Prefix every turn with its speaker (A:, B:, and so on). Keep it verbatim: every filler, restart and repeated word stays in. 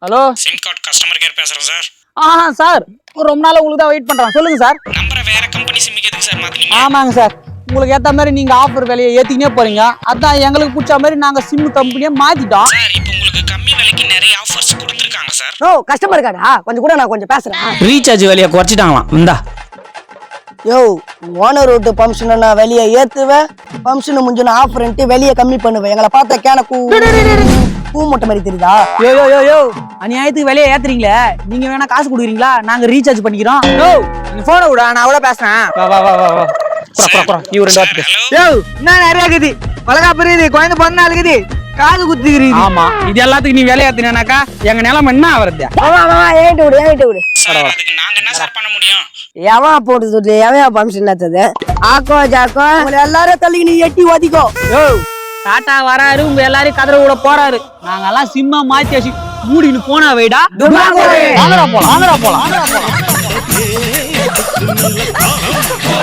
A: Hello
B: SIM card customer care பேசுறேன் சார்.
A: ஆ சார் ரொம்ப நாள் உங்களுக்கு தான் வெயிட் பண்றேன். சொல்லுங்க சார்.
B: நம்பரை வேற கம்பெனி சிம்முக்கு எதுக்கு சார் மாத்துறீங்க?
A: ஆமாங்க சார், உங்களுக்கு ஏத்த மாதிரி நீங்க ஆஃபர் விலையை ஏத்திக்கினே போறீங்க. அதான் எங்களுக்கு பிடிச்ச மாதிரி நாங்க சிம் கம்பெனியை மாத்திட்டோம்.
B: சார் இப்போ உங்களுக்கு கம்மி விலைக்கு நிறைய ஆஃபர்ஸ் கொடுத்துருக்காங்க சார்.
C: ஓ கஸ்டமர் கார்டா, கொஞ்சம் கூட நான் கொஞ்சம் பேசுறேன்.
A: ரீசார்ஜ் விலையை குறைச்சிட்டாங்களாம். இந்தா
C: யோ ஓனர் விட்டு பம்ப்ஷனை நான் வெளியே ஏத்துவேன், பம்ப்ஷன் முடிஞ்சுன்னு ஆஃபர்ன்ட்டு வெளியே கம்மி பண்ணுவேன். எங்களை பார்த்தா கேன கூ பூ மூட்டை மாதிரி தெரியுதா?
A: யோ யோ யோ யோ அநியாயத்துக்கு விலையை ஏத்துறீங்களே, நீங்க வேணா காசு கொடுக்குறீங்களா? நாங்க ரீசார்ஜ் பண்ணிக்கிறோம். யோ நீங்க போனை விட, நான் கூட பேசுறேன். வா வா வா வா வா குற குற குற நீ ஒரு ரெண்டு வார்த்தை பேசு.
D: யோ என்ன நிறைய இருக்குது, வளகா பெரியது குழந்தை பிறந்தா இருக்குது, காது குத்துக்கிறீங்க.
A: ஆமா, இது எல்லாத்துக்கும் நீ விலை ஏத்தினாக்கா எங்க நிலைமை என்ன ஆவறது?
C: மாமா மாமா ஏன்ட்டு விடு ஏன்ட்டு விடு.
B: சார் அதுக்கு நாங்க என்ன சார் பண்ண முடியும்?
C: எவன் போட்டு சொல்லிட்டு எவன் பம்ப்ஷன் ஏத்தது? ஆக்கோ ஜாக்கோ உங்களை எல்லாரும் தள்ளி நீ எட்டி ஓதிக்கோ.
A: யோ டாட்டா வராரு, உங்க எல்லாரையும் கதற விட போறாரு. நாங்கெல்லாம் சிம்மா மாத்தி வச்சு மூடின்னு போனா வைடா. வாங்கடா போலாம் வாங்கடா போலாம் வாங்கடா போலாம்.